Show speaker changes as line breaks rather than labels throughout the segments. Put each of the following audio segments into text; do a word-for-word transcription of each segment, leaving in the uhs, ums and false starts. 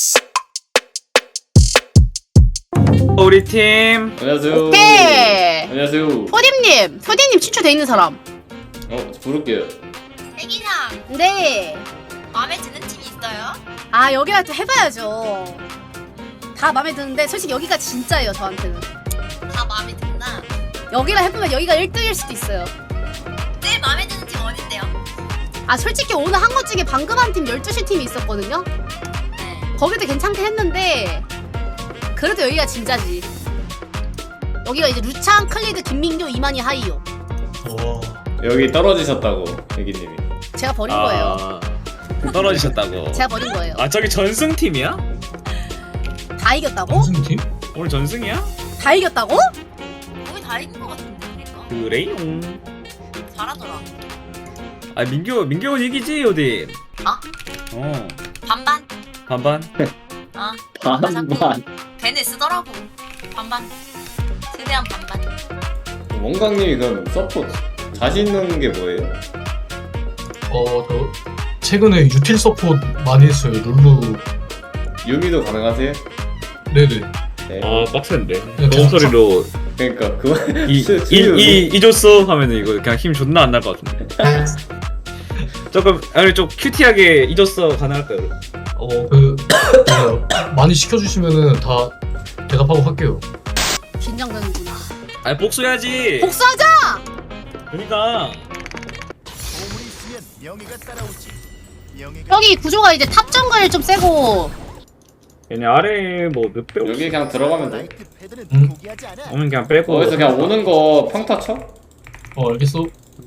우리 팀.
안녕하세요.
오케이.
안녕하세요.
소dim님, 소dim님 친추 돼 있는 사람.
어, 부를게요.
애기상
네.
마음에 드는 팀이 있어요?
아 여기가 또 해봐야죠. 다 마음에 드는데 솔직히 여기가 진짜예요 저한테는.
다 마음에 든다.
여기랑 해보면 여기가 일 등일 수도 있어요.
제일 마음에 드는 팀 어딘데요?
아 솔직히 오늘 한 것 중에 방금 한 팀 열두 시 팀이 있었거든요.
네.
거기도 괜찮게 했는데 그래도 여기가 진짜지. 여기가 이제 루창, 클리드, 김민규, 이만희, 하이요.
여기 떨어지셨다고, 애기님이.
제가 버린 거예요.
아, 떨어지셨다고.
제가 버린 거예요.
아 저기 전승 팀이야?
다 이겼다고?
무슨 팀?
오늘 전승이야?
다 이겼다고?
거의 다 이긴 것 같은데 그러니까
그래요.
잘하더라.
아 민규 민규 이기지 어디?
아?
어
반반.
반반.
아
반반.
걔네 쓰더라고. 반반. 최대한 반반.
원광님이 그럼 서포 자신 있는 게 뭐예요?
어, 저 최근에 유틸 서포트 많이 했어요. 룰루.
유미도 가능하세요?
네네.
네.
아 빡센데.
그냥
너무 소리로
그러니까 그만.
이이 이줬어 하면은 이거 그냥 힘 존나 안 날 것 같은데. 조금 아니 좀 큐티하게 이줬어 가능할까요?
어, 그 어, 많이 시켜주시면은 다 대답하고 할게요.
긴장되는구나.
아니 복수해야지.
복수하자!
그러니까.
보물이 있으면 명예가 따라오지. 명예가
여기 구조가 이제 탑 정글 좀 세고
얘네 아래 뭐 몇 배?
여기 그냥 들어가면 돼.
나이트 패드는
응?
포기하지 않아.
오면 그냥 빼고.
거기서 그냥 오는 거 평타 쳐?
어, 알겠어.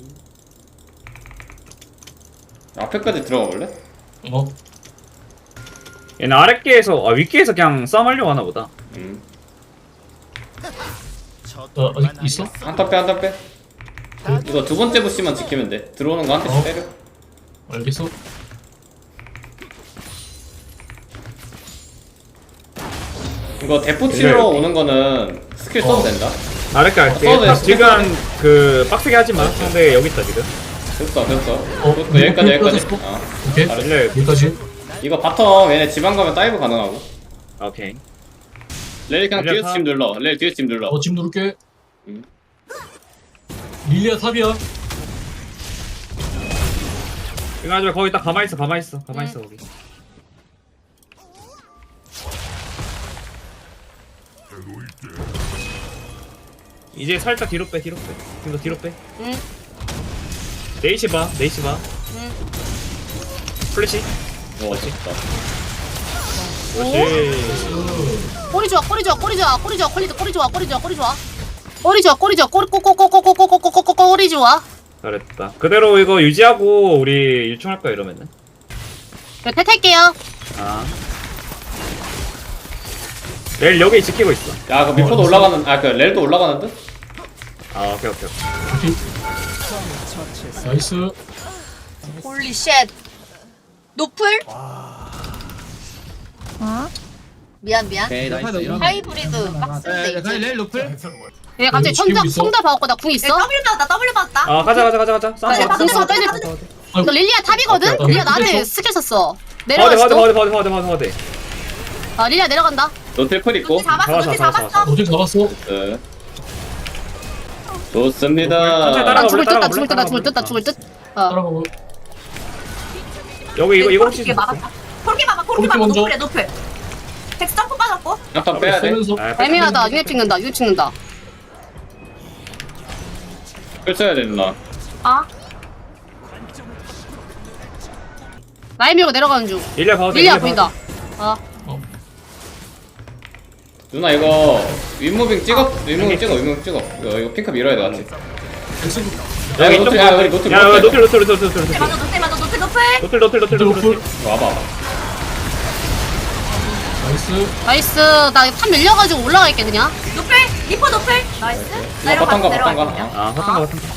앞에까지 들어가 볼래?
어,
얘네 아랫계에서 아 윗계에서 그냥 싸움하려고 하나 보다.
음.
저
어,
또한
아직 있어?
아니었어.
한타 빼, 한타 빼. 이거 두 번째 부시만 지키면 돼. 들어오는 거 한 대씩
어?
때려.
알겠어.
이거 대포 치러 오는 거는 스킬 써도
어.
된다.
아랫게 할게.
써도 돼,
딱
써도
지금 그 빡세게 하지 마. 상대 여기 있다 지금.
됐어, 됐어.
어,
됐어, 여기까지, 여기까지.
됐어?
어.
오케이.
잘했어.
릴레.
여기까지.
이거 바텀 얘네 지방 가면 다이브 가능하고.
오케이.
레일 그냥
릴리아
뒤에서
탑.
집 눌러. 레일 뒤에서 집 눌러.
어, 지금 누를게.
응.
릴리아 탑이야.
이거 하지 마. 거기 딱 가만히 있어. 가만히 있어. 가만히 있어 거기. 이제 살짝 뒤로 빼. 뒤로 빼. 뒤로 뒤로 빼.
응.
네이시 봐. 네이시 봐.
응.
플래시.
어, 멋있다.
그렇지.
꼬리 좋아 꼬리 좋아 꼬리 좋아 꼬리 좋아 퀄리티 꼬리 좋아 꼬리 좋아 꼬리 좋아 꼬리 좋아 꼬리 좋아 꼬리 꼬꼬꼬꼬꼬꼬꼬꼬꼬 꼬리 좋아.
잘했다. 그대로 이거 유지하고 우리 유충할 거야 이러면은.
이거 탈탈게요.
아. 레일 여기 지키고 있어.
야, 그 미포도
어,
올라가는, 아, 그 렐도 올라가는 듯?
아 오케이 오케이. 오케이.
오케이. 나이스.
홀리 쉣. 노플? 어? 미안 미안.
오케이 나이스 이러면
하이브리드 빡센데
네,
이제.
레일 노플
얘 갑자기
지키고
청자
있어?
청자 봐갖고 나 궁
네,
있어?
W 받았다 W 받았다.
아 가자 가자 가자 가자. 싸움
네,
봐.
받았다,
궁
받았다,
써야
받았다.
너 릴리아 탑이거든?
오케이,
릴리아
오케이.
나한테
그래서-
스킬 썼어.
화대
내려갈
화대
수도?
화대 화대 화대 화대 화대.
아 릴리아 내려간다.
노틸 있고.
노트 잡았어
잡았어,
노트
잡았어,
잡았어.
어딜 잡았어?
네. 좋습니다.
따라가
난
볼래,
죽을 듯, 나
따라가
죽을 듯, 나
볼래,
죽을 듯, 나
따라가
죽을 듯. 어.
따라가고.
여기 이거 이거 혹시
이게 막았다. 콜기 봐봐 콜기
콜기
봐봐
먼저.
노플이야 노플. 텍스 점프 빠졌고.
한타 빼야 돼.
쏘면서.
아,
애매하다. 유입 찍는다. 유입 찍는다.
펼쳐야 돼, 누나.
아. 라인 밀고 내려가는 중.
릴리아 봐도 돼,
릴리아
릴리아
보인다.
봐도
어.
누나 이거 윗무빙 찍어, 윗무빙 찍어, 윗무빙 찍어. 이거, 이거 핑크 밀어야 돼, 같이.
돼.
야,
여기
노틸,
이쪽
야,
봐.
우리 노틸,
야
노틸.
노틸 노틸 노틸 노틸 노틸
노플 맞아 노플 맞아 노플 노플.
노틸 노틸 노틸 노틸 노틸.
이거 와봐, 와봐.
나이스.
나이스. 나 탑 밀려가지고 올라갈게 그냥.
노플 리퍼 노플. 나이스.
이거 바텀 가, 바텀 가.
내려갈게요.
아 화탄 거 화탄 거.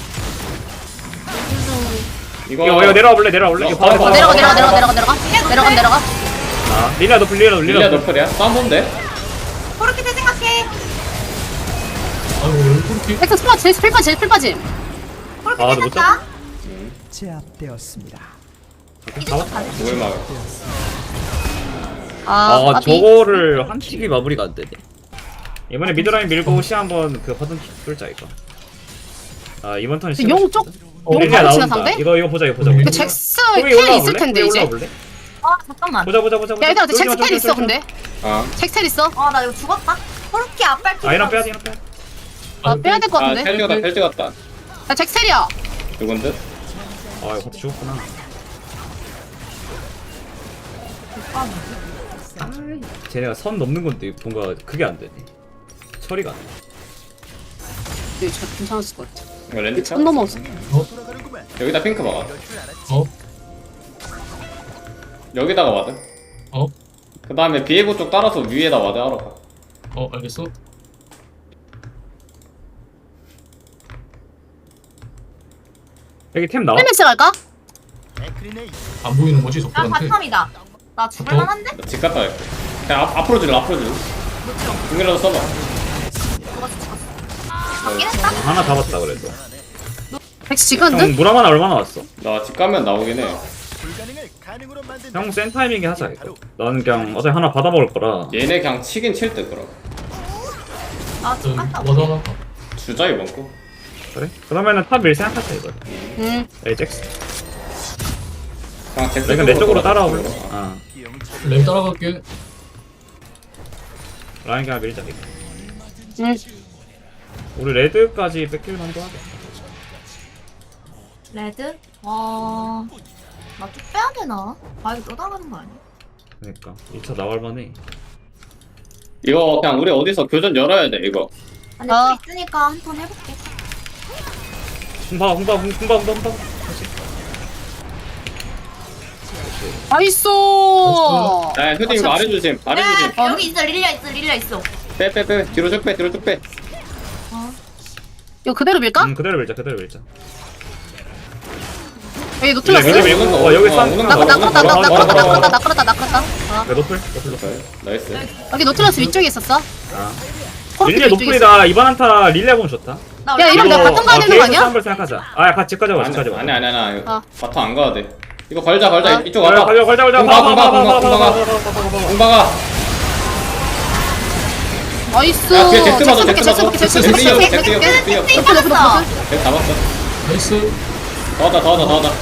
이거,
이거 이거 내려와 볼래 내려와 볼래. 이거 봐봐
어,
봐봐.
내려가 내려가 내려가 내려가 내려가. 내려가 내려가.
아 릴리아 노플 릴리아 노플
릴리아
릴리아 노플.
노플이야? 싸움 본데?
그렇게 생각해.
아이고, 왜 그렇게.
엑스 스파 제일 풀빠 제일 풀빠짐.
그렇게
아, 너못
생각다.
제압되었습니다.
이제 좀 가네.
뭘 막아.
아,
아
까비.
저거를 한 킥이 마무리가 안 되네. 이번에 미드라인 밀고 시 한번 그 버튼 킥 뚫자 이거. 아 이번 턴이
용 쪽? 용
릴리아
바로 치나
나온다.
상대?
이거 이거 보자 이거 보자.
그
그 잭스
거기
텔
올라와
있을
볼래?
텐데
거기
이제.
올라와 볼래?
아 잠깐만.
보자 보자 보자 보자.
야 얘들아
쫄지 마,
잭스 텔
쫄지 마,
있어
쫄지 마.
근데.
아,
잭스 텔 있어.
아 나 이거 죽었다. 그렇게 앞발
아 이런 빼야 돼 이런 빼.
아 빼야 될 것
아,
같은데.
텔 찍었다, 텔 찍었다.
야 잭스 텔이야.
누군데?
아 이거 같이 죽었구나. 아, 쟤네가 선 넘는 건데 뭔가 그게 안 되네. 처리가 안 돼.
네, 저 괜찮았을 것 같아.
이거 랜드 차?
손 넘어왔어.
돌아가는구만.
여기다 핑크 막아.
이럴 줄 알았지.
어?
여기다가 와드.
어?
그 다음에 비에고 쪽 따라서 위에다 와드 하러 가.
어 알겠어.
여기 템 나와?
헬멧스 갈까?
에크리네이.
안 보이는 거지
야
적들한테.
바텀이다. 나 죽을만한데?
나 집 갔다 갈게. 그냥 앞, 앞으로 질러, 앞으로 질러. 중이라도 써봐.
죽었어 죽었어. 잡긴 했다.
하나 잡았다 그래도.
잭스 지금 듯?
형 물 하나 얼마나 왔어?
나 집 가면 나오긴 해.
불가능을 가능으로 만든다.
형 센 타이밍에 하자 이거. 나는 그냥 어차피 하나 받아 먹을 거라.
얘네 그냥 치긴 칠 듯, 그럼.
나
저
죽었다.
와드 하나.
주자, 이번 거.
그래? 그러면은 탑 밀 생각하자 이거.
응.
에이 잭스.
그냥 잭스
내가 내 쪽으로
돌아.
따라와 볼래? 아
램 따라갈게.
라인 그냥 밀자 이거.
응.
우리 레드까지 뺏길 만도 하겠다.
레드? 와. 나 쭉 빼야 되나? 바위 또 나가는 거 아니야?
그러니까 이 차 나갈 만해.
이거 그냥 우리 어디서 교전 열어야 돼, 이거.
아니
아.
또 있으니까 한 턴 해볼게.
홍바 홍바 홍- 홍바 홍바 홍바.
나이스.
야, 효딩 이거 아래 조심, 아래 조심.
야 여기 있어 릴리아 있어 릴리아 있어.
빼, 빼, 빼. 뒤로 쭉 빼, 뒤로 쭉 빼.
이거 그대로 밀까?
응 그대로 밀자 그대로 밀자.
여기 노틀러스?
밀자, 밀자.
오는 거,
어, 여기
어,
싼-
오는
나
거,
나
오는
끌었다
거.
나
걸어,
끌었다
걸어,
나
걸어.
끌었다 나 끌었다 나 끌었다. 아.
야 노플 노플 노플.
오케이, 나이스.
여기 노틀러스 위쪽에 있었어.
아
코르키
릴리아
위쪽에 있어.
노플이다. 이번 한타 릴리아 보면 좋다.
나
야, 이러면 내가 바텀 가야 되는 거 아니야?
한번 생각하자. 아 같이 집까지 와
아니,
집까지 와.
아니, 아니, 아니.
아.
바텀 안 가야 돼. 이거 걸자, 걸자.
아.
이쪽
걸자
와봐.
걸자 걸자 걸자.
공방, 공방, 공방, 공방.
공방.
공방아.
나이스.
야, 뒤에 잭스 봐줘,
잭스
잭스
볼게,
봐줘.
잭스
잭스
볼게,
뛰어,
잭스
잭스 뛰어,
볼게.
잭스 뛰어.
잭스
노플, 노플,
있었어.
노플.
잭스 잡았어.
나이스.
더 하자, 더 하자, 더 하자.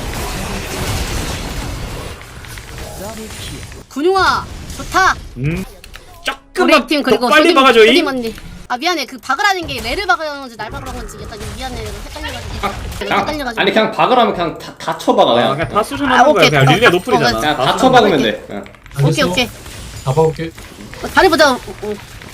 근용아 좋다.
음.
우리
조금만
팀
더
그리고
빨리
효림,
박아줘 이.
효림 언니. 아 미안해 그 박으라는 게 레를 박으라는 건지 날 박으라는 건지 약간 미안해 헷갈려가지고
그냥,
헷갈려가지고
아니, 그냥 박으라면 그냥 다, 다 쳐박아,
아,
그냥.
그냥 다
아,
수준하는 거야.
오케이.
그냥 릴리아
어,
노플이잖아.
그냥 다
수준하는
쳐박으면
오케이.
돼. 응.
오케이
알겠어.
오케이
잡아올게.
어, 다리 보자. 어, 어.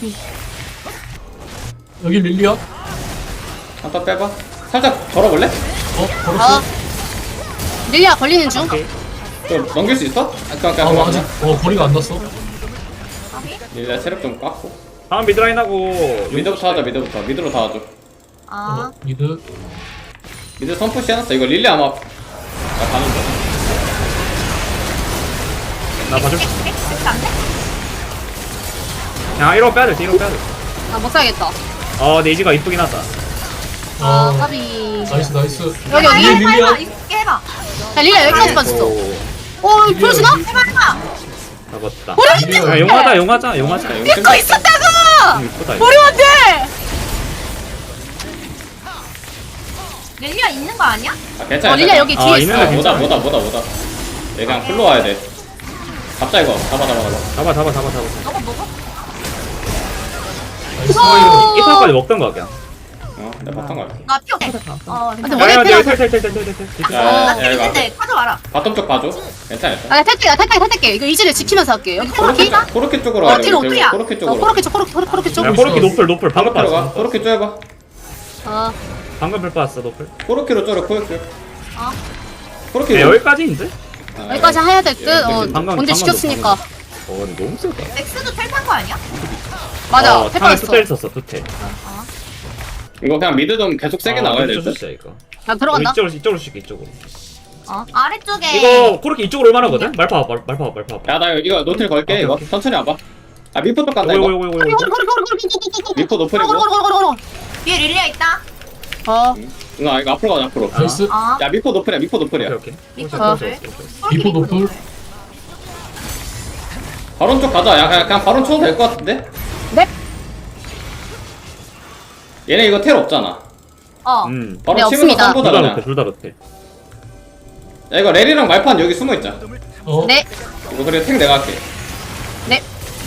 여기 릴리아. 어
한번 빼봐. 살짝 걸어볼래?
아
걸었어.
릴리아 걸리는 중.
좀 넘길 수 있어? 아, 그냥,
아
그냥.
아직 어 거리가 안 났어.
일단 체력 좀 깎고.
다음 미드라인 하고
미드부터 하자, 미드부터. 미드로 다 하죠.
아.
어 미드.
미드 선푸시 해놨어. 이거 릴리 아마. 나 가는 거.
나 봐줄.
잭스 안 돼?
그냥 이러고 빼야 돼. 뒤로 빼야 돼.
아못 살겠다.
아 네이지가 이쁘긴 하다.
아
어,
까비.
나이스 나이스.
여기
아,
여기.
릴리아.
해봐 해봐 이렇게 해봐.
야 릴리아 여기까지 빠졌어.
오,
어 보여주나?
해봐 해봐.
잡았다.
릴리아.
야, 용하다 용하자 용하자.
자,
음,
이거
이거 있었다고.
이쁘다. 이거.
머리 안돼.
릴리아 있는 거 아니야?
아, 괜찮아.
어 릴리아 여기
아,
뒤에
있는
있어.
애
뭐다,
괜찮아.
뭐다, 뭐다, 뭐다. 얘 그냥 풀로 와야 돼. 잡자, 이거. 잡아, 잡아, 잡아.
잡아 잡아 잡아 잡아.
너가 먹어?
나이스.
어.
이 판까지 먹던 거 그냥.
어, 내가 바텀 갈게.
나 피 없어. 어
근데
괜찮아.
머리
야야
빼라고.
텔텔텔텔텔텔.
야,
나
야,
피
야, 이거.
있는데 가져와라.
바텀 쪽 봐줘. 괜찮아, 괜찮아.
아 탈게 나 탈게 탈게. 이거 이즈를 지키면서 할게. 여기
코르키,
코르키.
코르키 쪽으로
어
가야 돼.
뒤로
우리
오프야.
코르키
어
쪽으로.
코르키 쪽 코르키 코르키 쪽.
야 코르키 노플 노플 방금
코르키로 가.
빠졌어.
코르키 쪼여봐.
아
방금 불 빠졌어 노플.
코르키로 쪼려, 코르키.
어.
코르키.
야, 여기까지인데?
아,
여기까지 해야 될 듯. 어
방금,
방금
언제 시켰으니까.
어 근데 너무 세다.
잭스도 텔탄 거 아니야?
맞아.
어,
페퍼
탑에
있어.
투텔 썼어 투텔.
이거 그냥 미드 좀 계속 세게
아,
나가야
미드
될
좀
듯?
쓰자, 이거.
나 들어간다.
어, 이쪽으로 이쪽으로 쉴게 이쪽으로.
어 아래쪽에.
이거 코르키 이쪽으로 올만하거든? 말파 말 말파 말파.
야, 나 이거 노틸 걸게,
오케이,
이거.
오케이.
천천히 와봐. 아, 미포 쪽 간다,
이거
이거.
이거 이거
코르키
이거.
코르키 코르키 코르키 코르키.
미포 노플이고.
코르키 코르키 코르키.
뒤에 릴리아 있다.
어.
누나, 이거 앞으로 가자, 앞으로.
나이스.
어.
야, 미포 노플이야, 미포 노플이야.
오케이 오케이.
미포
오케이,
아.
오케이, 오케이, 오케이.
미포 노플.
바론 쪽 가자. 야 그냥, 그냥 바론 쳐도 될 것 같은데?
네.
얘네 이거 텔 없잖아.
어.
음.
바론
네,
치면서
없습니다.
쌈보다
둘다
그냥.
못해 둘다 못해.
야 이거 렐이랑 말판 여기 숨어있자.
어?
네.
이거 그래 탱 내가 할게.
네.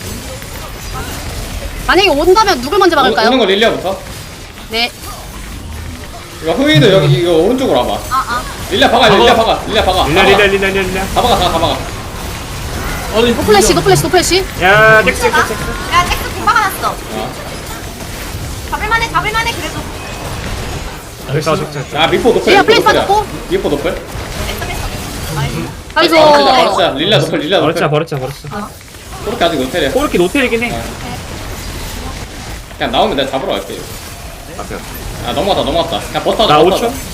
만약에 온다면 누굴 먼저
오, 오는
막을까요?
거 릴리아부터.
네.
이거 후이도 여기 이거 오른쪽으로 와봐.
아, 아.
릴리아 박아 릴리아 박아 릴리아 박아.
릴라 릴라 릴라 릴라.
다 박아 다 박아.
아니
노플래시 노플래시 노플래시.
야 잭스 잭스 잭스.
야, 잭스 공 박아놨어.
어.
잡을만해, 잡을만해, 그래도.
잭스 잭스 잭스.
아 미포 노플.
야,
미포
플레이스
노플이야.
받았고.
미포 노플.
뺐어, 뺐어. 아이고.
아이고.
바로 치자 바로 치자. 릴리아 노플 릴리아 노플.
버렸자 버렸자 버렸어.
그렇게 아직 노텔이야.
코르키 노텔이긴 해.
그냥 나오면 내가 잡으러 갈게.
앞에.
아 넘어갔다 넘어갔다. 그냥 버스 타자.
나
버스
오 초.
타자.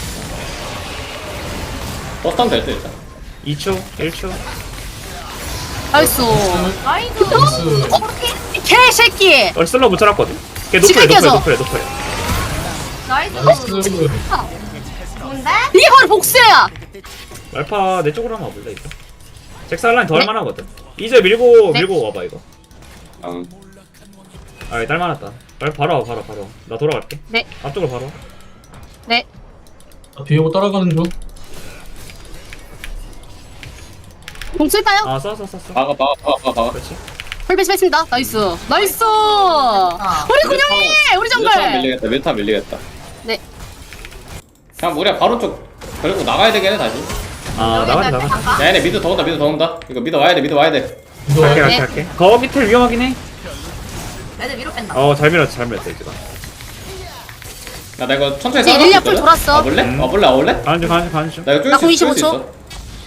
버스 타면 될듯 일단.
이 초. 일 초.
나이스.
아이고.
나이스.
그렇게?
개새끼.
어 슬로 붙여놨거든. 걔 노플해
지금
노플해
깨져.
노플해 노플해.
나이스.
나이스.
좋은데?
이게 바로 복수야.
말파 내 쪽으로 한번 와볼래 이거. 잭살라인 더 할만하거든. 이제 밀고
네.
밀고 와봐 이거.
응.
아 딸만하다. 말 바로 와 바로 바로. 나 돌아갈게.
네.
앞쪽으로 바로 와.
네.
아, 비에고 따라가는 중.
공 쓸까요?
아 쏴 쏴 쏴 쏴.
박아 박아 박아 박아.
그렇지.
풀베이스 했습니다. 나이스. 나이스. 우리 군영이 우리
밀타
정글.
밀리겠다 밀타 밀리겠다.
네.
그냥 우리가 바로 쪽 그리고 나가야 되겠네 다시.
아 나가자 나가자.
잠깐.
야 얘네 미드 더 온다 미드 더 온다. 이거 미드 와야 돼 미드 와야 돼.
이거
갈게
네.
갈게 갈게. 거 밑에 위험하긴 해.
애들 위로 뺀다.
어잘 밀었어 잘 밀었어 이제.
야 나 이거 천천히
이제
따라갈 수
릴리아
있거든?
풀 돌았어.
와볼래?
음.
와볼래 와볼래?
가는 중 가는 중 가는 중.
나 이거
나
쫄수
공
있어 쫄수
이십오 초.
있어.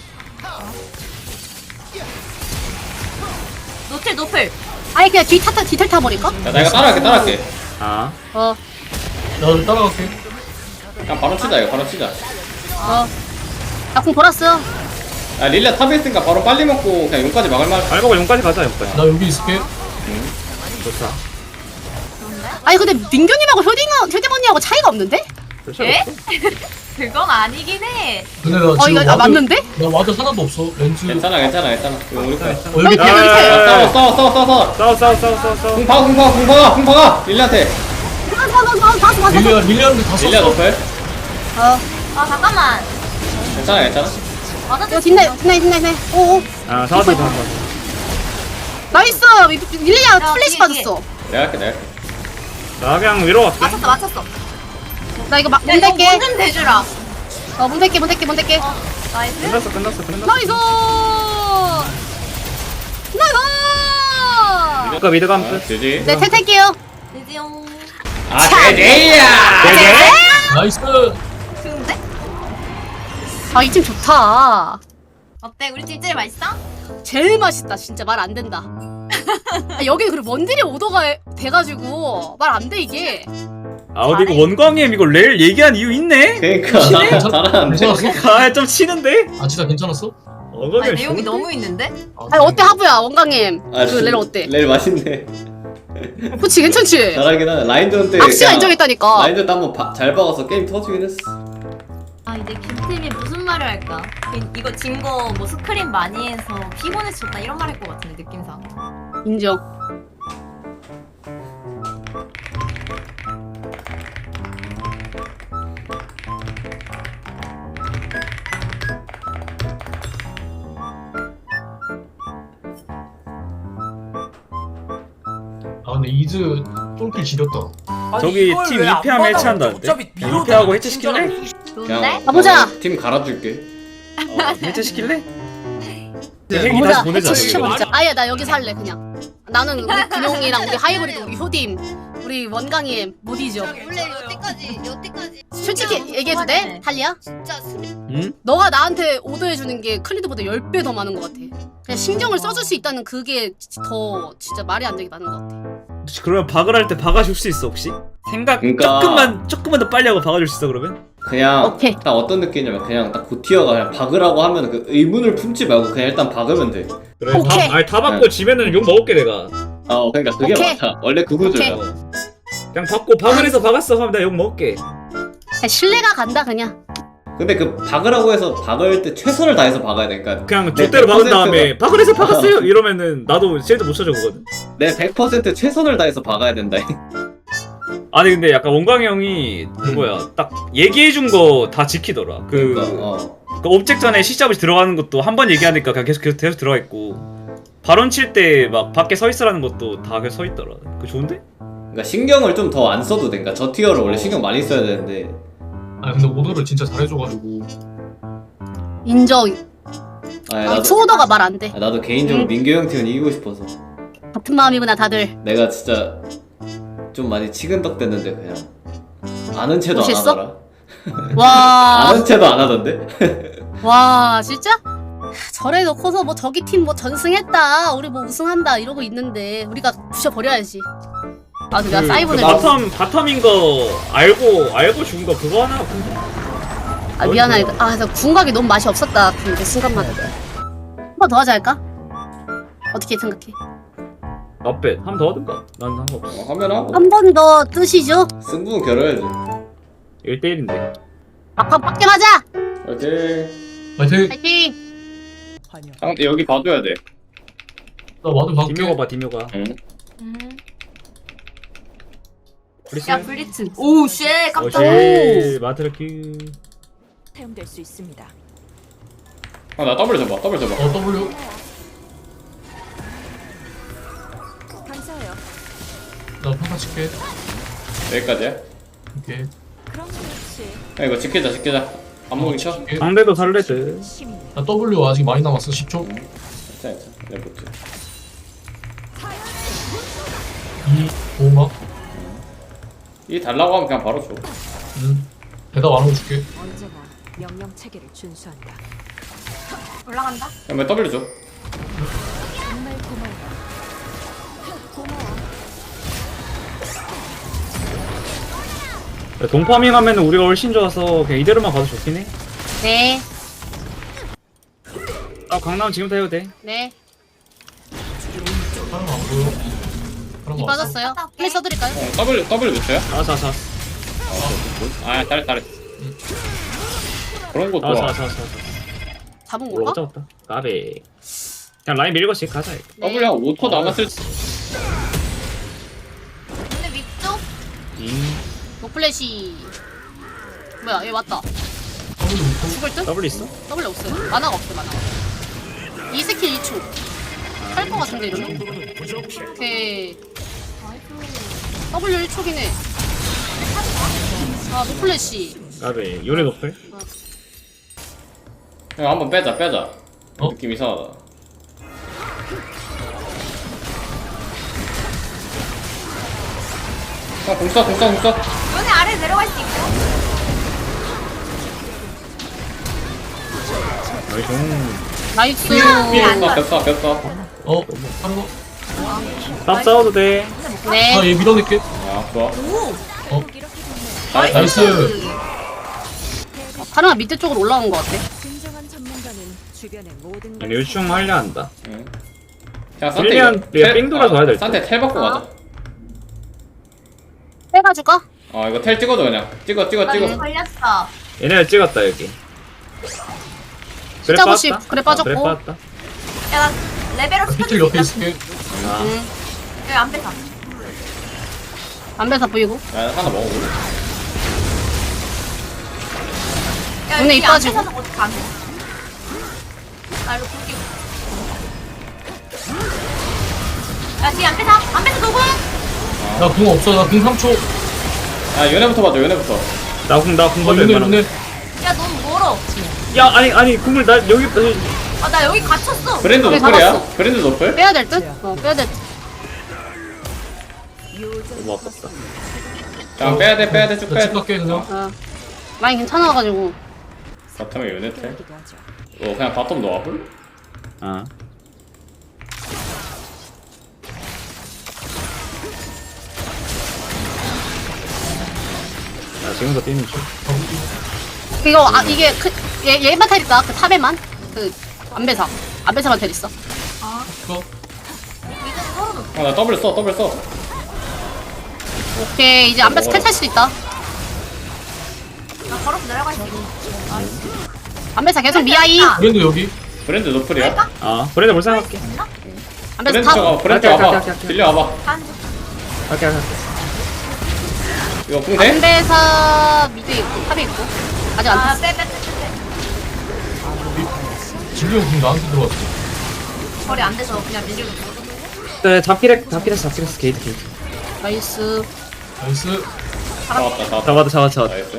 노틀, 노플.
아니 그냥 뒤 타타 뒤틀 타버릴까?
야 나 이거 따라갈게 따라갈게.
아
어.
나도 따라갈게.
그냥 바로 치자 이거 바로 치자.
어. 나공 돌았어.
야 릴리아 탑에 있으니까 바로 빨리 먹고 그냥 용까지 막을 만.
알고 용까지 가자 용까지.
나 여기 있을게.
좋다.
아니 근데 민규님하고 효딩 효딩 언니하고 차이가 없는데?
그렇죠.
에? 그건 아니긴 해.
근데 나
어
지금
이거 아,
와드-
맞는데?
나 와드 하나도 없어. 렌즈.
괜찮아 괜찮아 괜찮아. 이거 우리 거야.
어,
여기
여기
밑에
야,
여기 밑에.
야, 야.
야, 싸워 싸워 싸워 싸워 싸워.
싸워 싸워 싸워 싸워 싸워.
궁 박아 궁 박아 궁 박아 궁 박아. 릴리아한테.
봤어 봤어 봤어 봤어 봤어.
릴리아 릴리아한테 다
릴리아
썼어.
노플.
어.
아, 잠깐만.
괜찮아 괜찮아.
맞아,
이거 뒷내 뒷내 뒷내 뒷내. 오오.
아 사와서 사와서.
나이스. 릴리아
야,
플래시
뒤에, 뒤에.
받았어.
내가 할게 내가 할게.
나 그냥 위로 갈게.
맞췄어, 맞췄어.
나 이거 막
야, 이거
문댈게.
문좀 대주라.
어 문댈게 문댈게 문댈게.
어, 나이스.
끝났어 끝났어 끝났어.
나이스. 나이스.
아까 미드 감
아,
끝.
되지.
네 탈탈게요.
드디어.
아 되지야.
되게?
나이스.
좋은데?
아 이 팀 좋다.
어때? 우리 팀 제일 맛있어?
제일 맛있다. 진짜 말 안 된다. 아, 여기 그리고 원딜이 오더가 돼가지고 말 안 돼 이게.
아 어디 이거 원광님 이거 렐 얘기한 이유 있네?
그러니까 잘하는데.
괜찮았어?
아좀 치는데?
아 진짜 괜찮았어?
원광님
아니, 내용이 너무 있는데?
아니 어때 하부야 원강님.
아,
그 렐 어때?
렐 맛있네.
그치 괜찮지.
잘하긴 하네. 라인전 때.
악시가
그냥
인정했다니까.
라인전 때 한번 바- 잘 박아서 게임 터지긴 했어.
아, 이제 김팀이 무슨 말을 할까? 이- 이거 진 거 뭐 스크린 많이 해서 피곤해서 졌다 이런 말 할 것 같은데, 느낌상.
인정.
아 근데 이즈 쫄길 지렸다.
저기 팀 이 패하면 해체한다는데? 이 패하고 해체시킬래?
좋은데?
그냥
가보자.
어, 팀 갈아줄게.
어 해체시킬래?
네,
헬기
보자.
다시 보내자
해체
저기.
시켜보자. 아예 나 여기 살래 그냥. 나는 우리 근용이랑 우리 하이브리드 우리 효딤 우리 원강님 못 잊어.
원래 여태까지 여태까지
솔직히 얘기해도 돼? 탈리야?
진짜 스리
응?
너가 나한테 오더해주는 게 클리드보다 십 배 더 많은 것 같아. 그냥 신경을 써줄 수 있다는 그게 더 진짜 말이 안 되게 많은 것 같아.
혹시 그러면 박을 할 때 박아줄 수 있어 혹시? 생각
그러니까.
조금만 조금만 더 빨리 하고 박아줄 수 있어 그러면?
그냥
오케이.
딱 어떤 느낌이냐면 그냥 딱 고티어가 그냥 박으라고 하면 그 의문을 품지 말고 그냥 일단 박으면 돼.
그래
오케이.
다, 아니 다 받고 지면은 욕 먹을게 내가.
어 그러니까 그게
오케이.
맞아. 원래 그 구조야.
오케이.
그냥 받고 박을 해서 박았어 하면 내가 욕 먹을게.
그냥 신뢰가 간다 그냥.
근데 그 박으라고 해서 박을 때 최선을 다해서 박아야 돼. 그러니까
그냥
내
좆대로 박은
백 퍼센트가
다음에 박을 해서 박았어요 이러면은 나도 실드 못 쳐주거든.
내 백 퍼센트 최선을 다해서 박아야 된다.
아니 근데 약간 원광이 형이 그거야 딱 얘기해준 거 다 지키더라. 그,
그러니까 어.
그 옵젝트 안에 시잡이 들어가는 것도 한 번 얘기하니까 그냥 계속 계속, 계속 들어가 있고 발언 칠 때 막 밖에 서 있으라는 것도 다 계속 서 있더라. 그거 좋은데?
그러니까 신경을 좀 더 안 써도 돼. 그러니까 저 티어를 원래 신경 많이 써야 되는데.
아 근데 오더를 진짜 잘해줘가지고
인정.
아,
아,
나도
투오더가 말 안 돼.
아, 나도 개인적으로
응.
민규 형 팀은 이기고 싶어서.
같은 마음이구나 다들.
내가 진짜 좀 많이 치근덕 됐는데 그냥 아는 채도 안
멋있어?
하더라.
와.
아는 채도 안 하던데?
와 진짜? 저래 놓고서 뭐 저기 팀 뭐 전승했다 우리 뭐 우승한다 이러고 있는데 우리가 부셔버려야지. 아 근데
그,
나 사이버는
그 바텀 바텀인 거 알고 알고 죽은 거 그거 하나 근데
아 미안하다. 아 나 궁각이 너무 맛이 없었다. 근데 순간마다 한 번 더 하자 할까? 어떻게 생각해?
나빼 한 번 더 하든가 난 상관없어.
어, 하면 하고
한 번 더 뜨시죠?
승부는 겨뤄야지.
일 대 일인데
막판 빡겜하자.
오케이.
파이팅!
파이팅.
상대 여기 봐줘야 돼.
나 와드 갈게.
디묘가 봐 디묘가.
응.
음.
브리스.
야 블리츠. 오우 쉣 깜짝.
어시 마트라키.
사용될 수 있습니다.
아, 나 더블 잡아. 더블 잡아.
어 W
감사해요.
나 평타 칠게.
여기까지야.
오케이.
그럼 그렇지.
야, 이거 지키자, 지키자. 안 먹이 쳐.
칠게.
상대도 살레드.
시민.
나 W 아직 많이 남았어. 십 초.
괜찮아, 괜찮아. 내가 볼게.
이 오막.
이 달라고 하면 그냥 바로 줘.
음. 대답 안 하고 줄게.
언제나 명령 체계를 준수한다.
올라간다.
그냥 왜 더블 줘?
정말 고마워. 고마워.
동파밍 하면은 우리가 훨씬 좋아서 그냥 이대로만 가도 좋긴 해.
네.
아 강남 지금부터 해도 돼.
네.
사람 안 보여. 사람
이
왔어.
빠졌어요. 플레이 써드릴까요?
어, 더블, 더블 몇 초야?
알았어 알았어
아, 잘했, 잘했. 그런 거
알았어
좋아.
알았어 알았어.
잡은
뭘
건가?
어쩌다. 까베. 그냥 라인 밀고 씩 가자.
네.
더블 한 오 초 남았을 때.
근데 위쪽
잉.
노플래시. 뭐야 얘 왔다.
W 못 쳐.
죽을 듯?
더블 있어?
더블 없어요. 만화가 없어 만화. 이 스킬 이 초. 할 거 같은데 이러면? 오케이. W 일 초긴 해. 아 노플래시.
까베. 요네 노플.
형, 한번 빼자, 빼자.
어?
느낌 이상하다. 형, 공 쏴, 공 쏴, 공 쏴.
요네 아래 내려갈 수 있고.
나이스.
나이스.
벽 쏴, 벽 쏴, 벽 쏴.
어. 하는 거.
딱 싸워도 돼.
네.
아얘 밀어낼게.
아, 좋아.
어.
잘했,
나이스.
잘했어.
파르마 밑에 쪽으로 올라온 것 같아.
진정한 전문가는 주변의 모든 걸
류충 하려 한다.
응. 그냥
윌리안,
이거
얘
텔-
삥 돌아서 와야 될 듯.
산테 텔 받고 가자.
빼가줄까?
어, 이거 텔 찍어줘, 그냥. 찍어, 찍어,
나
찍어.
이제 걸렸어.
얘네가 찍었다 여기.
숫자 구십. 그래 빠졌고.
그래 빠졌다.
야 나 레벨업
비틀
시켜줄
옆에
수 있다.
있을게.
아.
응.
여기 안 뺏어.
안배사 보이고.
야, 하나 먹어보자.
야
눈에
여기
입
안
빠지고.
뺏어서 어떻게 안 돼? 나 이거 볼게. 야 뒤에 안 뺏어. 안 뺏어 누구?
나 궁 없어. 나 궁 삼 초.
야, 얘네부터 봐줘, 얘네부터.
나궁 나궁
어
받을
요네
만한.
요네.
야 너무 멀어.
야 아니 아니 궁을 나 여기
아 나 여기 갇혔어.
브랜드
그래,
노플이야?
잡았어.
브랜드 노플?
빼야 될 듯? 어 빼야 될 듯.
너무 아깝다.
자, 빼야돼, 빼야돼, 쭉
나
빼야돼.
집 갈게 그냥.
어. 라인 괜찮아가지고.
바텀에 요네 텔.
기도 하죠.
어, 그냥 바텀 넣어볼?
아. 나 지금부터 뛰는 중.
이거 아 이게 그얘 얘만 텔 있다. 그 탑에만 그 안배사. 안배사만 텔 있어.
이거.
아, 나 더블 써, 더블 써.
오케이 이제 안배사 텔 탈 수도 있다.
나 걸어서 내려갈 수 있어.
안배사 계속 미아이.
브랜드 여기.
브랜드 노플이야.
아 브랜드 볼 생각할게.
안배사
브랜드
탑.
저거 브랜드
갈게,
와봐.
갈게, 갈게.
빌려 와봐.
한
갈게 갈게.
이거 궁 돼?
안배사 미드 있고 탑이 있고 아직 안
아,
탔어.
빼, 빼, 빼, 빼.
진료 형 나한테 들어왔어.
거리 안 돼서 그냥 밀리고 있어.
네 잡기래 잡기래 잡기래 게이트 게이트.
나이스.
나이스.
잡았다 잡았다.
잡았다 잡았다 잡았다.
나이스.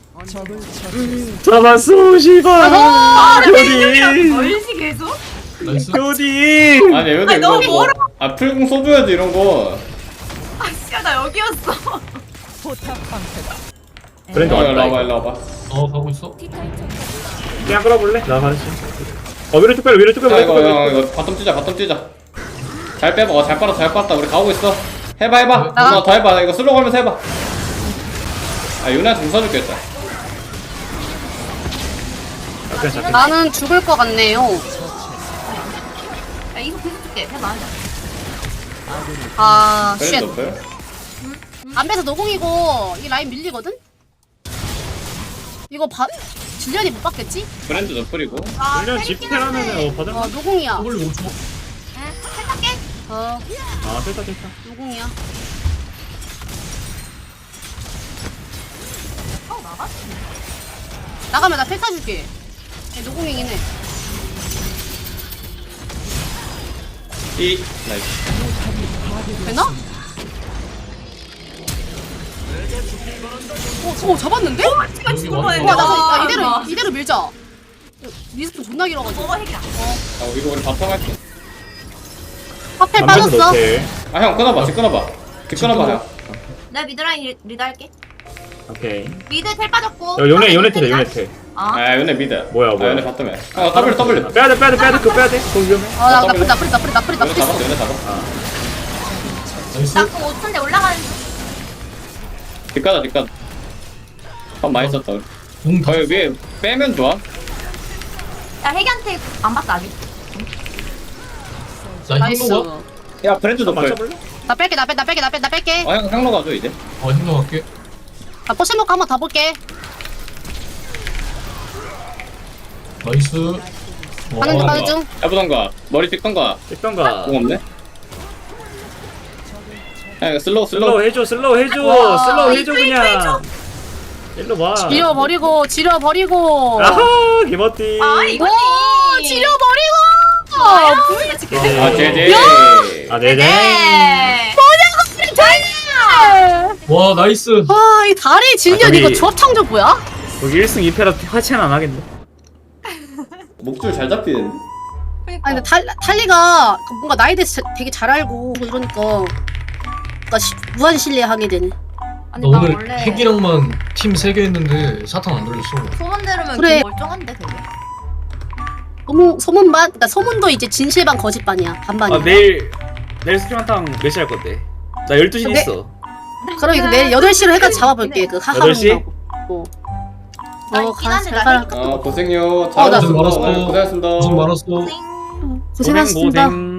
잡았어 씨발.
아,
효디.
멀지 계속?
나이스.
효디.
아니 여기
아니, 너무
이거 뭐- 아 풀궁 써줘야지 이런 거.
아, 씨야, 나 여기였어.
브랜드
어, 일로
왔다.
와봐 일로 와봐.
어 가고 있어.
그냥 끌어볼래? 나 가르치. 어 위로 쭉 빼 위로 쭉 빼
야
위로
이거
쭉 빼.
형 이거 바텀 뛰자 바텀 뛰자. 잘 빼봐. 어, 잘 빨았다 잘 빨았다. 우리 가고 있어. 해봐 해봐.
나가.
누나 더 해봐. 이거 슬로우 걸면서 해봐. 아 유나한테 공 써줄겠다.
그냥 잡기.
나는 죽을 것 같네요.
야, 이거 계속 줄게. 해봐.
아
브랜드
쉣.
노플.
안배사 노공이고 이 라인 밀리거든. 이거 바 질련이 못 받겠지?
브랜드 노플이고.
아,
물론
때리긴
집회라면은
한데.
어 받을.
어 노공이야.
W 오 초.
응, 살짝게.
어
아 됐다 됐다.
노공이야.
어, 나가?
나가면 나 펠타 줄게. 얘 노공이긴 해.
이 나이스.
되나? 오, 오 잡았는데? 와,
씨가 죽을
여기
뻔했네.
왔어.
나
와,
아, 이대로
나.
이대로 밀자. 리스폰 존나 길어가지고.
먹어, 핵이야.
아 이거 우리 바텀 할게.
파펠 빠졌어.
아 형 끊어봐. 집 끊어봐. 집 끊어봐 형.
내가 미드라인 리- 리드 할게.
오케이.
미드 텔 빠졌고.
야 요네 요네
텔이야.
테래 요네 테.
아,
아 요네 미드.
뭐야,
아,
뭐야.
요네 바텀에. 아 W W.
빼야돼 빼야돼 빼야돼 그거 빼야돼. 그거 위험해.
아, 나 나쁘리 나쁘리 나쁘리 나쁘리
요네
나쁘리.
잡았어 요네 잡았어.
나이스.
나그 오 초인데 올라가는 중.
집 가자 집 가자. 밥 많이 썼다 우리.
공 다.
거기 위에 빼면 좋아.
야, 핵이한테 안 봤어, 아직.
나
나이스.
힘로가.
야 브랜드 노플.
맞춰볼래?
나 뺄게 나 뺄게 나 뺄게 나 뺄게 나 뺄게.
어 형 향로 가줘 이제.
어 힘로 갈게.
나 포션 먹고 한번 더 볼게.
나이스.
가는 중 가는 중.
해보던가 머리 찍던가.
있던가.
공 없네. 야 이거 슬로우 슬로우.
슬로우 해줘 슬로우 해줘
와,
슬로우 해줘
이거, 이거
그냥.
해줘.
일로 와.
지려버리고 지려버리고.
아하 개멋띠.
아, 이거지.
오 지려버리고.
아, 부위가 지금.
네.
아 제제.
아 네네.
네.
와 나이스.
와, 이 다리 질련
아, 저기-
이거 조합 창조 뭐야?
거기 일 승 이 패라 화체는 안 하겠네.
목줄 잘 잡히는데.
아니 근데 탈, 탈리가 그 뭔가 나에 대해서 자- 되게 잘 알고 이러니까 뭔가 시, 무한 신뢰하게 되네.
아니,
나
나
오늘
원래
핵이랑만 팀 세 개 했는데 사탕 안 돌렸어.
소문 들으면
그래.
그 멀쩡한데 되게.
소문, 소문반? 그러니까 소문도 이제 진실반 거짓반이야. 반반이야.
아 내일 내일 스키만탕 몇 시 할 건데? 나 열두 시
네.
있어.
그럼 이거 내일 여덟 시로 해가지고 잡아볼게. 그
여덟 시?
하하문하고. 어,
나
어,
있긴
가,
한데
잘
나
가라.
아 고생요.
어, 나
잘하셨습니다.
고생 많았어.
오늘 고생하셨습니다.
고생 많았어.
고생.
고생하셨습니다.
고생.